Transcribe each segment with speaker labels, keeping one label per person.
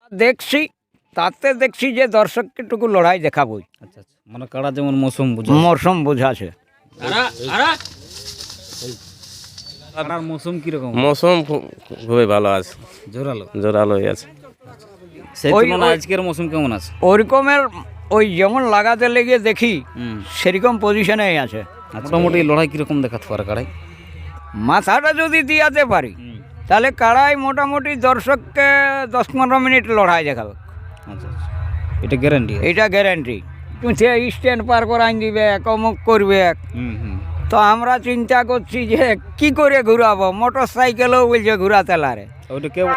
Speaker 1: দেখছি, তাতে দেখছি যে দর্শককে টুকু লড়াই দেখাবই।
Speaker 2: আচ্ছা আচ্ছা, মানে কাড়া যেমন মৌসুম বুঝে
Speaker 1: মরশুম বোঝাছে।
Speaker 2: কাড়ার মৌসুম কিরকম?
Speaker 3: মৌসুম খুবই ভালো আছে,
Speaker 2: জোরালো।
Speaker 3: জোরালোই আছে।
Speaker 2: সেই
Speaker 1: ওই-
Speaker 2: তুলনায়
Speaker 1: ওই-
Speaker 2: আজকের মৌসুম কেমন আছে?
Speaker 1: ওরকমের ওই যেমন লাগাতে লেগে দেখি
Speaker 2: হুম,
Speaker 1: সেরকম পজিশনেই আছে।
Speaker 2: মোটামুটি লড়াই কিরকম দেখাতে পারে কাড়াই?
Speaker 1: মাথাটা যদি দিয়াতে পারি তাহলে কাড়াই মোটামুটি দর্শককে 10-15 মিনিট লড়াই দেখাবে,
Speaker 2: আচ্ছা আচ্ছা, এটা গ্যারান্টি?
Speaker 1: এটা গ্যারান্টি। সে স্ট্যান্ড পার করাই দিবে, অমুক করবে।
Speaker 2: হুম হুম।
Speaker 1: তো আমরা চিন্তা করছি যে কি করে ঘুরাবো, মোটর সাইকেলও বলছে ঘুরাতে লারে।
Speaker 2: ওইটা কেউ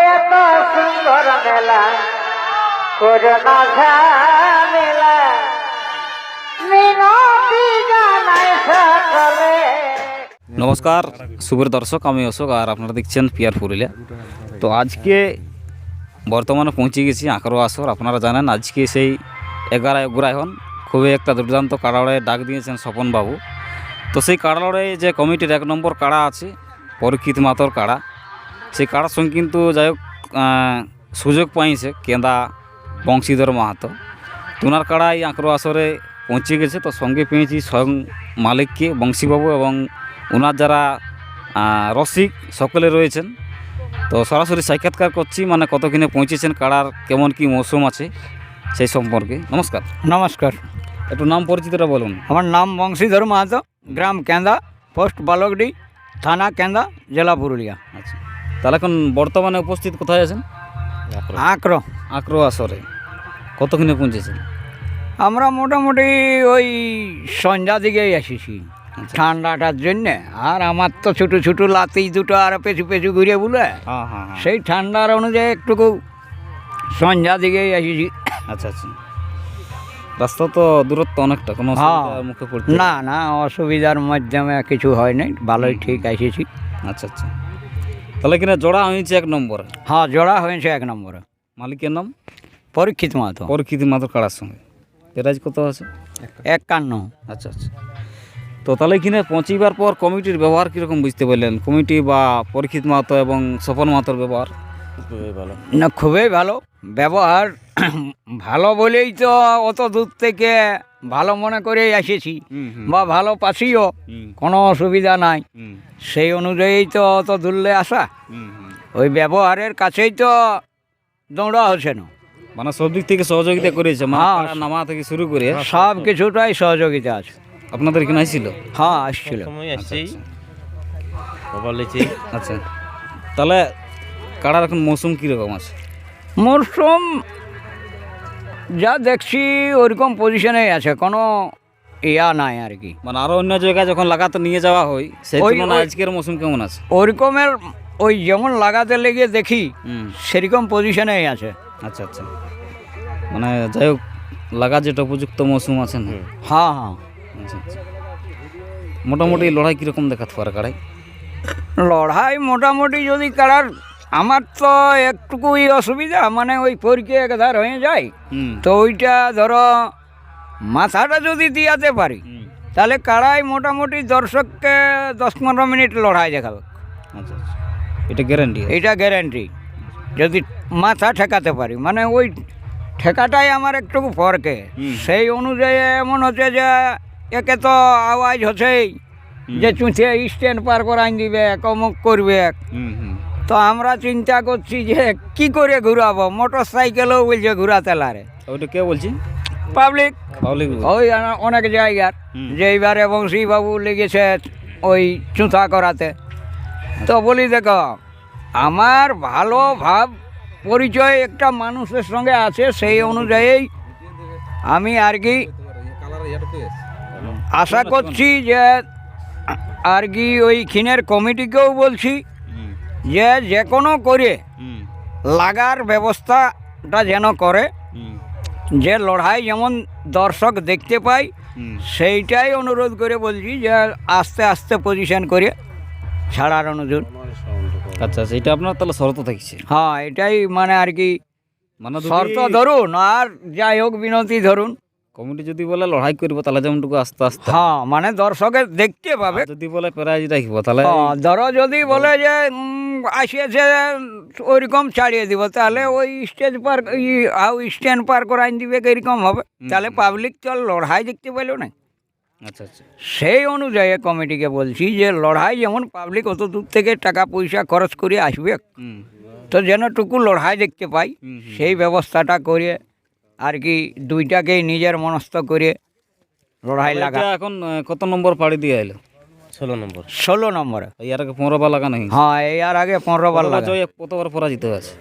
Speaker 2: নমস্কার শুভের দর্শক, আমি অশোক আর আপনারা দেখছেন পিয়ার পুরুলিয়া। তো আজকে বর্তমানে পৌঁছে গেছি আঁকড়ো আসর। আপনারা জানেন আজকে সেই 11 অগ্রায়ণ খুবই একটা দুর্দান্ত কাড়াড়ে ডাক দিয়েছেন স্বপনবাবু। তো সেই কাড়াড়ে যে কমিটির 1 নম্বর কাড়া আছে পরীক্ষিত মাতর কাড়া, সেই কাড়ার সঙ্গে কিন্তু যাই হোক সুযোগ পাইছে কেন্দা বংশীধর মাহাতো। তোনার কাড়াই আঁকড়ো আসরে পৌঁছে গেছে। তো সঙ্গে পেয়েছি স্বয়ং মালিককে বংশীবাবু এবং ওনার যারা রসিক সকলে রয়েছেন। তো সরাসরি সাক্ষাৎকার করছি, মানে কতক্ষণে পৌঁছেছেন, কাড়ার কেমন কি মৌসুম আছে সেই সম্পর্কে। নমস্কার।
Speaker 1: নমস্কার,
Speaker 2: একটু নাম পরিচিতটা বলুন।
Speaker 1: আমার নাম বংশীধর মাহাতো, গ্রাম কেন্দা, পোস্ট বালকডি, থানা কেন্দা, জেলা পুরুলিয়া।
Speaker 2: আচ্ছা, তাহলে এখন বর্তমানে উপস্থিত কোথায় আছেন?
Speaker 1: আঁকড়ো।
Speaker 2: আঁকড়ো আসরে কতক্ষণে পৌঁছেছেন?
Speaker 1: আমরা মোটামুটি ওই সন্ধ্যা দিকেই এসেছি ঠান্ডাটার জন্যে। আর আমার তো ছোটো ছোটো লাতি দুটো আর পেছু পেছু ঘুরে বলে
Speaker 2: হ্যাঁ হ্যাঁ হ্যাঁ।
Speaker 1: সেই ঠান্ডার অনুযায়ী একটুকু সন্ধ্যা দিকেই এসেছি।
Speaker 2: আচ্ছা আচ্ছা, রাস্তা তো দূরত্ব অনেকটা, কোনো
Speaker 1: হ্যাঁ।
Speaker 2: অসুবিধার মুখে পড়তে?
Speaker 1: না না, অসুবিধার মাধ্যমে কিছু হয় নাই, ভালোই ঠিক এসেছি।
Speaker 2: আচ্ছা আচ্ছা, তাহলে কিনা জোড়া হয়েছে 1 নম্বরে?
Speaker 1: হ্যাঁ, জোড়া হয়েছে 1 নম্বরে।
Speaker 2: মালিকের নাম?
Speaker 1: পরীক্ষিত মাহাতো।
Speaker 2: পরীক্ষিত মাত্র কাড়ার সঙ্গে প্রাইজ কত আছে?
Speaker 1: 51।
Speaker 2: আচ্ছা আচ্ছা, তো তাহলে কিনে পৌঁছিবার পর কমিটির ব্যবহার কীরকম বুঝতে পারলেন? কমিটি বা পরীক্ষিত মাহাতো এবং স্বপন মাহাতোর ব্যবহার?
Speaker 3: খুবই ভালো।
Speaker 1: না, খুবই ভালো ব্যবহার। ভালো বলেই তো অত দূর থেকে ভালো মনে করেই এসেছি, বা ভালো পাচ্ছিও, কোনো অসুবিধা নাই। সেই অনুযায়ী তো অত দূরলে আসা, ওই ব্যবহারের কাছেই তো দৌড়া হচ্ছে না।
Speaker 2: মানে সব দিক থেকে সহযোগিতা করেছে, মানে
Speaker 1: হ্যাঁ।
Speaker 2: কাড়া নামা থেকে শুরু করে
Speaker 1: সব কিছুটাই সহযোগিতা আছে।
Speaker 2: আপনাদের কিনা ছিল?
Speaker 1: হ্যাঁ, আসছিল।
Speaker 3: সময় আসছি, খবর লিছি।
Speaker 2: আচ্ছা, তাহলে কাড়ার এখন মৌসুম কীরকম আছে?
Speaker 1: মরশুম যা দেখছি ওইরকম পজিশনেই আছে, কোনো ইয়া নাই আর কি।
Speaker 2: মানে আরও অন্য জায়গায় যখন লাগাতে নিয়ে যাওয়া হয় সেই
Speaker 1: ওই-
Speaker 2: তুলনায়
Speaker 1: ওই-
Speaker 2: আজকের মৌসুম কেমন আছে?
Speaker 1: ওইরকমের ওই যেমন লাগাতে লেগে দেখি
Speaker 2: হুম,
Speaker 1: সেরকম পজিশনেই আছে।
Speaker 2: আচ্ছা আচ্ছা, মানে যাই হোক লাগা যেটা উপযুক্ত মৌসুম আছে না?
Speaker 1: হ্যাঁ হ্যাঁ,
Speaker 2: আচ্ছা আচ্ছা, মোটামুটি লড়াই কীরকম দেখাতে পারে কাড়াই?
Speaker 1: লড়াই মোটামুটি যদি কারার, আমার তো একটুকুই অসুবিধা, মানে ওই পরীক্ষা একধার হয়ে যায়।
Speaker 2: হুম,
Speaker 1: তো ওইটা ধরো মাথাটা যদি দিয়াতে পারি তাহলে কাড়াই মোটামুটি দর্শককে 10-15 মিনিট লড়াই দেখাবে,
Speaker 2: আচ্ছা আচ্ছা, এটা গ্যারান্টি?
Speaker 1: এটা গ্যারান্টি। যদি মাথা ঠেকাতে পারি, মানে ওই ঠেকাটাই আমার একটুকু ফরকে। সেই অনুযায়ী এমন হচ্ছে যে একে তো আওয়াজ হচ্ছেই যে চুঁচে স্ট্যান্ড পার করাই দিবে, অমুক করবে।
Speaker 2: হুম হুম।
Speaker 1: তো আমরা চিন্তা করছি যে কি করে ঘুরাবো, মোটর সাইকেলও বলছে ঘুরাতে লারে।
Speaker 2: ওইটা কে বলছি?
Speaker 1: Public
Speaker 2: public?
Speaker 1: ওই অনেক জায়গার, যে এইবারে বংশীবাবু লেগেছে ওই চুঁথা করাতে। তো বলি দেখো, আমার ভালো ভাব পরিচয় একটা মানুষের সঙ্গে আছে, সেই অনুযায়ী আমি আর কি আশা করছি যে আর কি ওই খিনের কমিটিকেও বলছি যে যে কোনো করে লাগার ব্যবস্থাটা যেন করে, যে লড়াই যেমন দর্শক দেখতে পাই সেইটাই অনুরোধ করে বলছি, যে আস্তে আস্তে পজিশন করে ছাড়ার অনুরোধ।
Speaker 2: আচ্ছা আচ্ছা, এটা আপনার তাহলে শর্ত থাকছে?
Speaker 1: হ্যাঁ, এটাই মানে আর কি
Speaker 2: মানে
Speaker 1: শর্ত ধরুন, আর যাই হোক বিনতি ধরুন।
Speaker 2: কমিটি যদি বলে লড়াই করবো তাহলে যেমনটুকু আস্তে আস্তে,
Speaker 1: হ্যাঁ, মানে দর্শকের দেখতে পাবে।
Speaker 2: যদি বলে প্রাইজ রাখবো তাহলে
Speaker 1: হ্যাঁ, ধরো যদি বলে যে আসিয়েছে ওইরকম ছাড়িয়ে দিব, তাহলে ওই স্টেজ পার স্ট্যান্ড পার করাই দিবে এরকম হবে, তাহলে পাবলিক চল লড়াই দেখতে পাইলো না।
Speaker 2: আচ্ছা আচ্ছা
Speaker 1: সেই অনুযায়ী কমিটিকে বলছি যে লড়াই যেমন পাবলিক অত দূর থেকে টাকা পয়সা খরচ করে আসবে,
Speaker 2: হুম
Speaker 1: তো যেনটুকু লড়াই দেখতে পাই সেই ব্যবস্থাটা করে আর কি দুইটাকেই নিজের মনস্থ করে লড়াই লাগা।
Speaker 2: এটা এখন কত নম্বর পাড়ি দিয়ে এলো?
Speaker 3: 16 নম্বর।
Speaker 1: 16 নম্বরে।
Speaker 2: এর আগে 15 বার লাগানো হয়েছে।
Speaker 1: হ্যাঁ, এর আগে 15 বার লাগা।
Speaker 2: জয় কতবার পরাজিত আছে?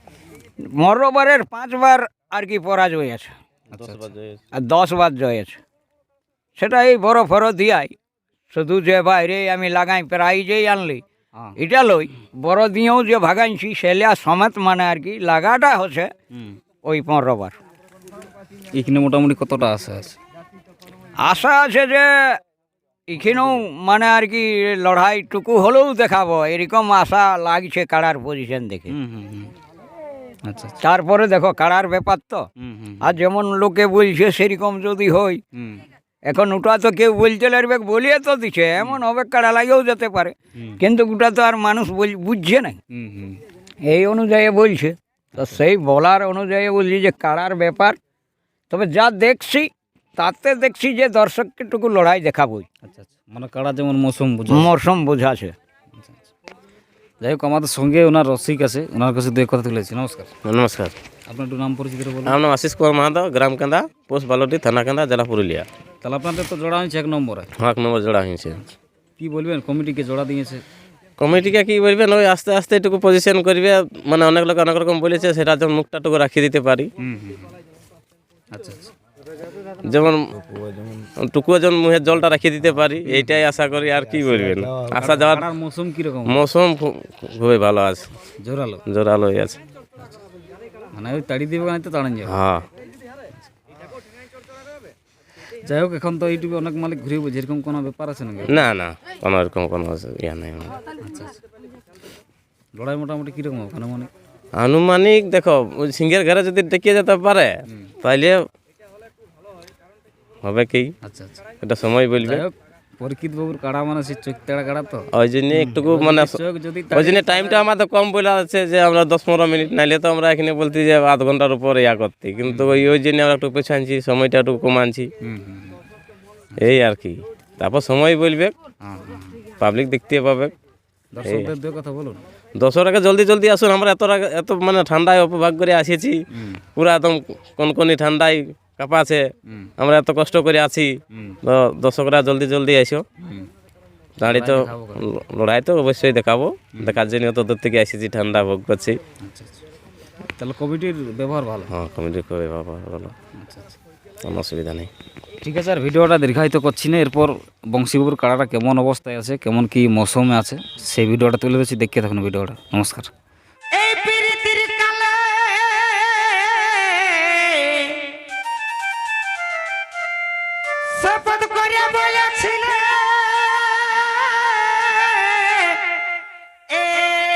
Speaker 1: 15 বারের 5 বার আর কি পরাজয় আছে,
Speaker 2: আচ্ছা
Speaker 3: 10 বার জয়।
Speaker 1: আর 10 বার জয় আছে। সেটা এই বড় ফরো দিয়াই শুধু যে বাইরে আমি লাগাই প্রাইজেই আনলি
Speaker 2: হ্যাঁ
Speaker 1: এটা লই, বড় দিয়েও যে ভাগাইছি সেলিয়া সমেত মানে আর কি লাগাটা হচ্ছে ওই 15 বার।
Speaker 2: এখানে মোটামুটি কতটা আশা আছে?
Speaker 1: আশা আছে যে এখানেও মানে আর কি লড়াইটুকু হলেও দেখাবো, এরকম আশা লাগছে কাড়ার পজিশন দেখে।
Speaker 2: হুম হুম হুম আচ্ছা আচ্ছা
Speaker 1: তারপরে দেখো কাড়ার ব্যাপার তো,
Speaker 2: হুম হুম
Speaker 1: আর যেমন লোকে বলছে সেরকম যদি হয়,
Speaker 2: হুম
Speaker 1: এখন ওটা তো কেউ বলতে লাগবে, বলিয়ে তো দিচ্ছে এমন হবে কাড়া লাগেও যেতে পারে, কিন্তু ওটা তো আর মানুষ বুঝছে না,
Speaker 2: হুম হুম
Speaker 1: এই অনুযায়ী বলছে। তো সেই বলার অনুযায়ী বলছি যে কাড়ার ব্যাপার, তবে যা দেখছি তাতে দেখছি যে দর্শককেটুকু লড়াই দেখাবই,
Speaker 2: আচ্ছা আচ্ছা মানে কাড়া যেমন মৌসুম বুঝে।
Speaker 1: মরশুম বোঝাছে।
Speaker 2: যাই হোক আমাদের সঙ্গে ওনার রসিক আছে, ওনার কাছে দু এক কথা তুলেছি। নমস্কার,
Speaker 3: নমস্কার।
Speaker 2: আপনার একটু নাম পরিচিত বলুন।
Speaker 3: আমার নাম আশিস কুমার মাহাতো, গ্রাম কান্দা, পোস্ট বালটি, থানা কান্দা, জেলা পুরুলিয়া।
Speaker 2: তাহলে আপনাদের তো জোড়া হয়েছে 1 নম্বরে,
Speaker 3: 1 নম্বর জোড়া হয়েছে।
Speaker 2: কি বলবেন কমিটিকে জোড়া দিয়েছে?
Speaker 3: কমিটিকে কি বলবেন, ওই আস্তে আস্তে এটুকু পজিশন করবে, মানে অনেক লোক অনেক রকম বলেছে, সেটা যেমন মুখটাটুকু রাখিয়ে দিতে পারি।
Speaker 2: হুম হুম আচ্ছা আচ্ছা
Speaker 3: যেমন টুকুও যেমন মুখের জলটা রাখিয়ে দিতে পারি, এইটাই আশা করি। আর কি বলবেন, আসা যাওয়ার
Speaker 2: কাড়ার মৌসুম কীরকম?
Speaker 3: মৌসুম খুবই ভালো আছে,
Speaker 2: জোরালো
Speaker 3: জোরালোই আছে।
Speaker 2: মানে ওই তাড়ি দিবে না তো তাড়ান যাবে।
Speaker 3: হ্যাঁ,
Speaker 2: যাই হোক এখন তো ইউটিউবে অনেক মালিক ঘুরে বুঝে, এরকম কোনো ব্যাপার আছে নাকি?
Speaker 3: না না, কোনো এরকম কোনো ইয়া নেই।
Speaker 2: আচ্ছা আচ্ছা লড়াই মোটামুটি কীরকম ওখানে মানে?
Speaker 3: আনুমানিক দেখো, ওই সিংহের ঘরে যদি টেকিয়ে যেতে পারে তাহলে হবে কি,
Speaker 2: আচ্ছা আচ্ছা
Speaker 3: এটা সময় বলবে।
Speaker 2: যাই হোক পরীক্ষিত বাবুর কাড়া মানে সে চোখ তেড়া কাড়া তো,
Speaker 3: ওই জন্য একটুকু মানে
Speaker 2: চোখ যদি
Speaker 3: ওই জন্য টাইমটা আমাদের কম বলে আছে যে আমরা 10-15 মিনিট, নাইলে তো আমরা এখানে বলতে যে আধ ঘন্টার উপর ইয়া করতে, কিন্তু ওই জন্য আমরা একটু পেছনে আনছি, সময়টা একটু কমানছি,
Speaker 2: হুম হুম
Speaker 3: এই আর কি। তারপর সময় বলবে,
Speaker 2: হ্যাঁ হ্যাঁ
Speaker 3: পাবলিক দেখতে পাবে।
Speaker 2: দর্শকদের দু কথা বলুন।
Speaker 3: 10 আগে জলদি জলদি আসুন, আমরা এত মানে ঠান্ডায় উপভোগ করে আসিছি, পুরা একদম কনকনি ঠান্ডায় কাঁপাছে, আমরা এত কষ্ট করে আছি, তো দর্শকরা জলদি জলদি এসো। দাঁড়িয়ে তো লড়াই তো অবশ্যই দেখাবো, দেখার জন্য অত দূর থেকে এসেছি, ঠান্ডা ভোগ করছি।
Speaker 2: আচ্ছা আচ্ছা তাহলে কমিটির ব্যবহার ভালো।
Speaker 3: হ্যাঁ, কমিটি খুবই ভালো,
Speaker 2: আচ্ছা আচ্ছা
Speaker 3: কোনো অসুবিধা নেই।
Speaker 2: ঠিক আছে, আর ভিডিওটা দীর্ঘায়িত করছি না। এরপর বংশীবাবুর কাড়াটা কেমন অবস্থায় আছে, কেমন কি মৌসুমে আছে, সেই ভিডিওটা তুলে দিচ্ছি, দেখতে থাকুন ভিডিওটা। নমস্কার।
Speaker 4: এই প্রীতির কালে শপথ করে বলেছিলে এ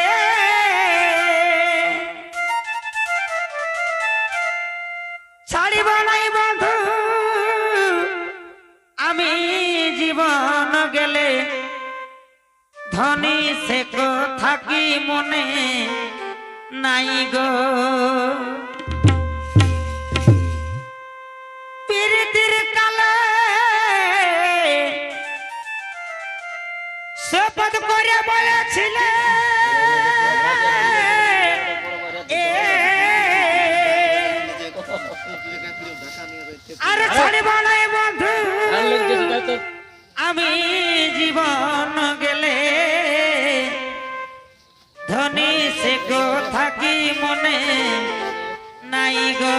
Speaker 4: ছাড়িব নাই বন্ধু আমি জীবন গেলে, ধনী সে থাকি মনে নাই গো। প্রীতির কালে শপথ করে বলেছিলে আর ছাড়িব নাই বন্ধু আমি জীবন গেলে, ধনী সে থাকি মনে নাই গো।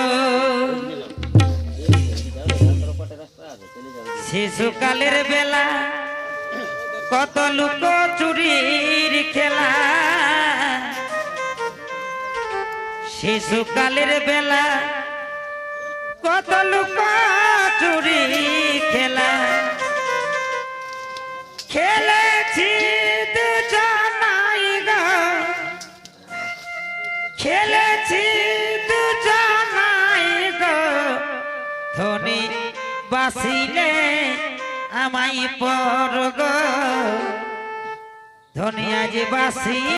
Speaker 4: শিশুকালের বেলা কত লুক চুরির খেলা, শিশুকালের বেলা কত লুক চুরি খেলা, খেলেছি দুজনাই গো, খেলেছি দুজনাই গো, ধনী বাসিলে আমায় পর গো, ধনী আজ বাসি